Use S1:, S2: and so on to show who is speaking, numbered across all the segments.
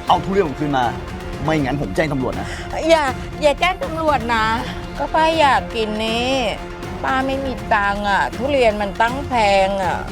S1: เอาทุเรียนผมคืนมาไม่งั้นผมแจ้งตำรวจนะ
S2: อย่าแจ้งตำรวจนะก็ป้าอยากกินนี่ป้าไม่มีตังค์อ่ะทุเรียนมันตั้งแพงอ่ะ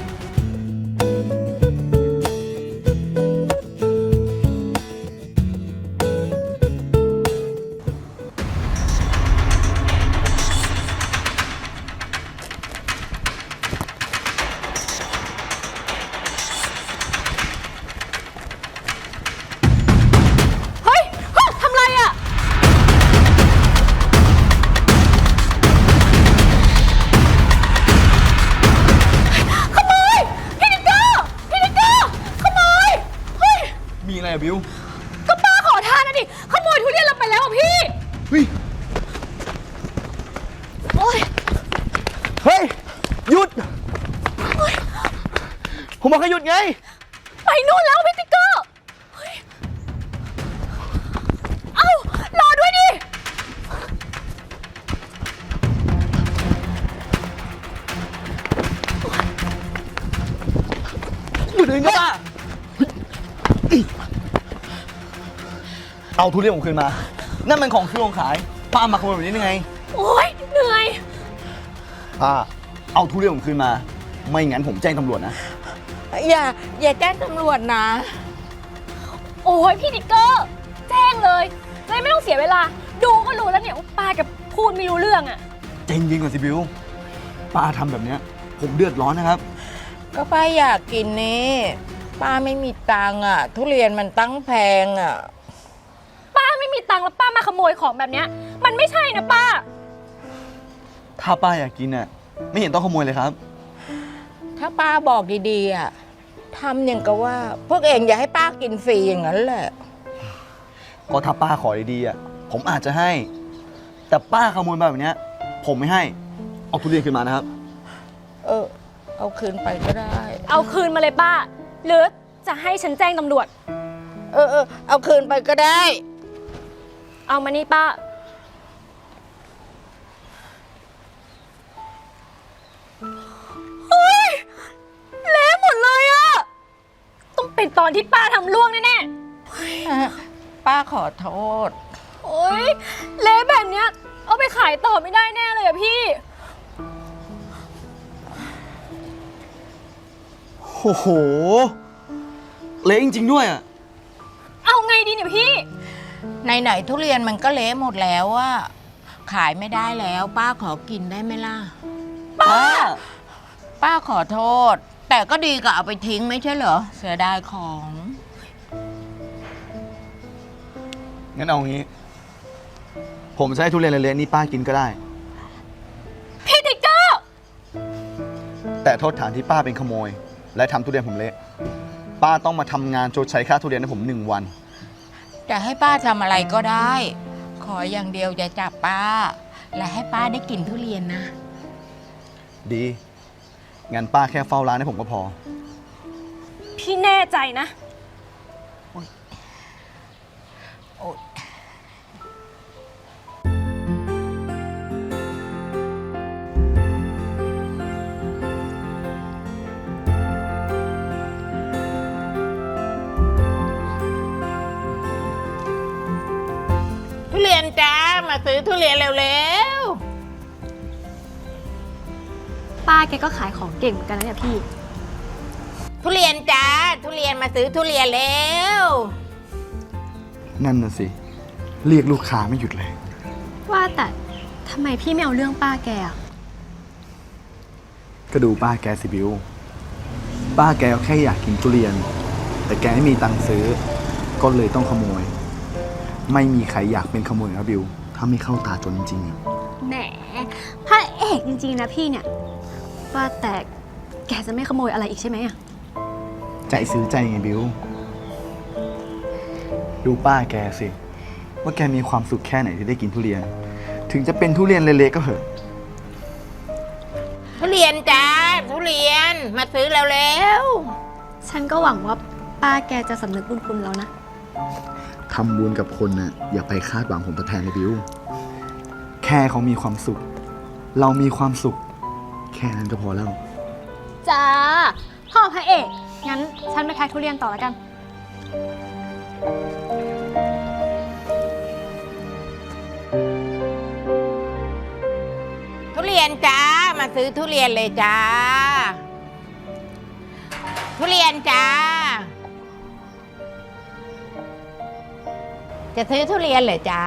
S1: มีอะไรอะบิว
S3: ก็ป้าขอทานนะดิขโมยทุเรียนเราไปแล้วอ่ะพี่
S1: เฮ้ย
S3: โอ๊ย
S1: เฮ้ยหยุดผมบอกให้หยุดไง
S3: ไปนู่นแล้วพี่ติ๊กเกอร์เฮ้ยเอ้ารอด้วยดิ
S1: หยุดเองนะป้าเอาทุเรียนผมคืนมานั่นมันของที่โรงขายป้ามาขโมยแบบนี้ได้ไง
S3: โอ๊ยเหนื่อย
S1: ป้าเอาทุเรียนผมคืนมาไม่งั้นผมแจ้งตำรวจนะ
S2: อย่าแจ้งตำรวจนะ
S3: โอ้ยพี่ติ๊กเกอร์แจ้งเลยไม่ต้องเสียเวลาดูก็รู้แล้วเนี่ยว่าป้ากับพูดไม่รู้เรื่องอ่ะ
S1: ใจเย็นก่อนสิบิวป้าทำแบบเนี้ยผมเดือดร้อนนะครับ
S2: ก็ป้าอยากกินนี่ป้าไม่มีตังค์อ่ะทุเรียนมันตั้งแพงอ่ะ
S3: ป้าไม่มีตังค์แล้วป้ามาขโมยของแบบเนี้ยมันไม่ใช่นะป้า
S1: ถ้าป้าอยากกินน่ะไม่เห็นต้องขโมยเลยครับ
S2: ถ้าป้าบอกดีๆอ่ะทำอย่างกับว่าพวกเองอย่าให้ป้ากินฟรีอย่างนั้นแหละ
S1: ก็ถ้าป้าขอดีๆอ่ะผมอาจจะให้แต่ป้าขโมยแบบนี้ผมไม่ให้เอาทุเรียนคืนมานะครับ
S2: เอาคืนไปก็ได้
S3: เอาคืนมาเลยป้าหรือจะให้ฉันแจ้งตำรวจ
S2: เอาคืนไปก็ได้
S3: เอามานี่ป้าเฮ้ยเละหมดเลยอะต้องเป็นตอนที่ป้าทำล่วงแน่
S2: ป้าขอโทษ
S3: โอ๊ยเละแบบเนี้ยเอาไปขายต่อไม่ได้แน่เลยอะพี่
S1: โอ้โหเละจริงๆด้วยอะ
S3: เอาไงดีเนี่ยพี่
S2: ไหนๆทุเรียนมันก็เละหมดแล้วอะขายไม่ได้แล้วป้าขอกินได้ไหมล่ะป้าขอโทษแต่ก็ดีกว่าเอาไปทิ้งไม่ใช่เหรอเสียดายของ
S1: งั้นเอางี้ผมจะให้ทุเรียนเละๆนี่ป้ากินก็ได้
S3: พี่ติ๊กเกอร์
S1: แต่โทษฐานที่ป้าเป็นขโมยและทำทุเรียนผมเละป้าต้องมาทำงานชดใช้ค่าทุเรียนให้ผม1 วัน
S2: จะให้ป้าทำอะไรก็ได้ขออย่างเดียวอย่าจับป้าและให้ป้าได้กินทุเรียนนะ
S1: ดีงั้นป้าแค่เฝ้าร้านให้ผมก็พอ
S3: พี่แน่ใจนะ
S2: ทุเรียนจ้ามาซื้อทุเรียนเร็ว
S3: ป้าแกก็ขายของเก่งเหมือนกันนะเนี่ยพี่
S2: ทุเรียนจ้าทุเรียนมาซื้อทุเรียนเร็ว
S1: นั่นน่ะสิเรียกลูกค้าไม่หยุดเลย
S3: ว่าแต่ทำไมพี่ไม่เอาเรื่องป้าแกอะ
S1: ก็ดูป้าแกสิบิวป้าแกแค่อยากกินทุเรียนแต่แกไม่มีตังค์ซื้อก็เลยต้องขโมยไม่มีใครอยากเป็นขโมยนะบิวถ้าไม่เข้าตาจนจริง
S3: ๆแหมพระเอกจริงๆนะพี่เนี่ยว่าแต่แกจะไม่ขโมยอะไรอีกใช่ไหมอะ
S1: ใจซื้อใจไงบิวดูป้าแกสิว่าแกมีความสุขแค่ไหนที่ได้กินทุเรียนถึงจะเป็นทุเรียนเละๆก็เหอะ
S2: ทุเรียนจ้าทุเรียนมาซื้อเร็ว
S3: ฉันก็หวังว่าป้าแกจะสำนึกบุญคุณเรานะ
S1: ทำบุญกับคนน่ะอย่าไปคาดหวังผลตอบแทนเลยบิวแค่เขามีความสุขเรามีความสุขแค่นั้นก็พอแล้ว
S3: จ้าพ่อพระเอกงั้นฉันไปขายทุเรียนต่อแล้วกัน
S2: ยนจ้า มาซื้อทุเรียนเลยจ้า ทุเรียนจ้า จะซื้อทุเรียนเหรอจ้า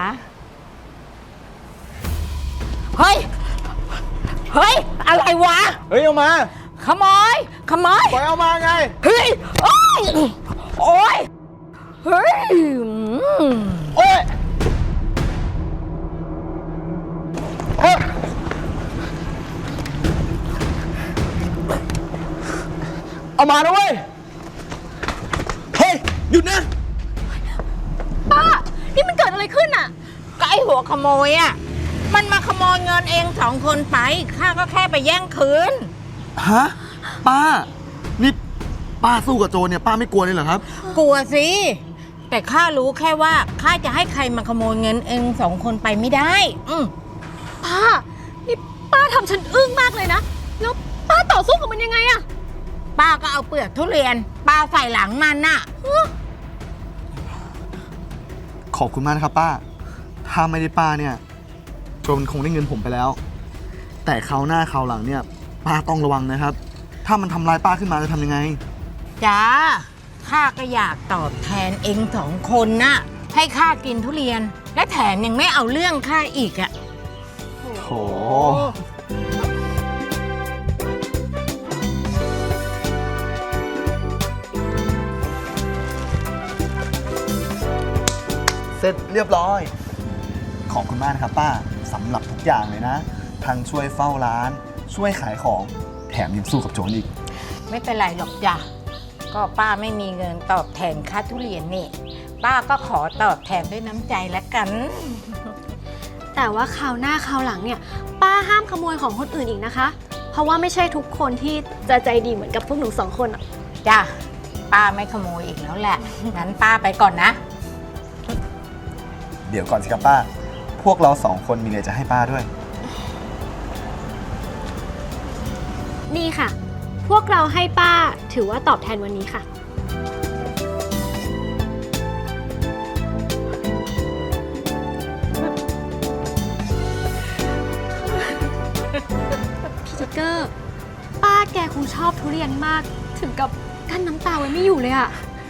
S2: เฮ้ย เฮ้ย อะไรวะ
S1: เฮ้ย เอามา
S2: ขโมย ขโมย
S1: ปล่อยเอามาไง
S2: เฮ้ย โอ้ย โอ้ย เฮ้ย
S1: โอ้ยเอ้ยเอามานะเว้ย เฮ้ย หยุดนะ
S3: ป้า นี่มันเกิดอะไรขึ้นอะ
S2: ก็ไอหัวขโมยอ่ะ มันมาขโมยเงินเอง2 คนไป ข้าก็แค่ไปแย่งคืน
S1: ฮะ ป้า นี่ป้าสู้กับโจรเนี่ย ป้าไม่กลัวเลยเหรอครับ
S2: กลัวสิ แต่ข้ารู้แค่ว่าข้าจะให้ใครมาขโมยเงินเอง2 คนไปไม่ได้
S3: ป้า นี่ป้าทำฉันอึ้งมากเลยนะ แล้วป้าต่อสู้กับมันยังไงอะ
S2: ป้าก็เอาเปลือกทุเรียนปาใส่หลังมันน่ะ
S1: ขอบคุณมากนะครับป้า ถ้าไม่ได้ป้าเนี่ยโจรคงได้เงินผมไปแล้ว แต่คราวหน้าคราวหลังเนี่ยป้าต้องระวังนะครับ ถ้ามันทำร้ายป้าขึ้นมาจะทำยังไง
S2: จ้า ข้าก็อยากตอบแทนเอง2 คนน่ะ ให้ข้ากินทุเรียน และแถมยังไม่เอาเรื่องข้าอีกอ่ะ
S1: โห เสร็จเรียบร้อย ขอบคุณมากนะครับป้าสำหรับทุกอย่างเลยนะ ทั้งช่วยเฝ้าร้าน ช่วยขายของ แถมยังสู้กับโจรอีก
S2: ไม่เป็นไรหรอกจ้ะ ก็ป้าไม่มีเงินตอบแทนค่าทุเรียนนี่ ป้าก็ขอตอบแทนด้วยน้ำใจละกัน
S3: แต่ว่าคราวหน้าคราวหลังเนี่ย ป้าห้ามขโมยของคนอื่นอีกนะคะ เพราะว่าไม่ใช่ทุกคนที่จะใจดีเหมือนกับพวกหนู2 คนอะ
S2: จ้ะ ป้าไม่ขโมยอีกแล้วแหละ งั้นป้าไปก่อนนะ
S1: เดี๋ยวก่อนสิครับป้า พวกเรา2 คนมีอะไรจะให้ป้าด้วย
S3: นี่ค่ะ พวกเราให้ป้าถือว่าตอบแทนวันนี้ค่ะ พี่ทิกเกอร์ ป้าแกคงชอบทุเรียนมาก ถึงกับกั้นน้ำตาไว้ไม่อยู่เลยอะ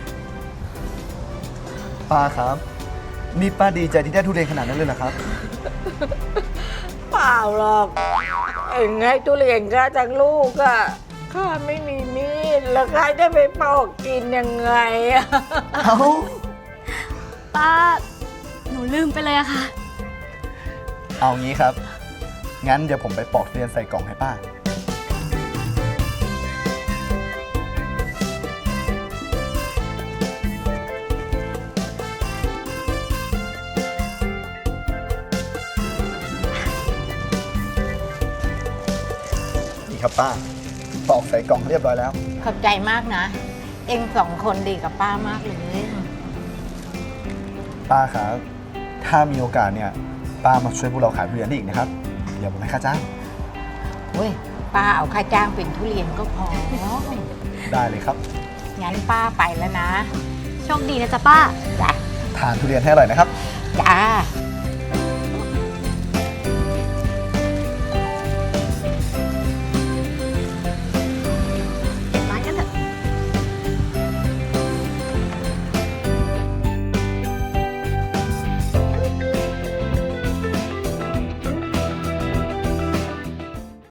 S1: ป้าครับ นี่ป้าดีใจที่ได้ทุเรียนขนาดนั้นเลยเหรอครับ
S2: เปล่าหรอก เอ็งให้ทุเรียนข้าทั้งลูกอะข้าไม่มีมีด แล้วข้าจะไปปอกกินยังไงอะ
S1: เอ้า
S3: ป้า หนูลืมไปเลยอะค่ะ
S1: เอางี้ครับ งั้นเดี๋ยวผมไปปอกทุเรียนใส่กล่องให้ป้า นี่ครับป้า ปอกใส่กล่องเรียบร้อยแล้ว
S2: ขอบใจมากนะ เอ็ง2 คนดีกับป้ามากเลย
S1: ป้าครับ ถ้ามีโอกาสเนี่ย ป้ามาช่วยพวกเราขายทุเรียนได้อีกนะครับ เดี๋ยวผมให้ค่าจ้าง
S2: เว้ย ป้าเอาค่าจ้างเป็นทุเรียนก็พอ
S1: ได้เลยครับ
S2: งั้นป้าไปแล้วนะ
S3: โชคดีนะจ๊ะป้า
S2: จ้ะ
S1: ทานทุเรียนให้อร่อยนะครับ
S2: จ้า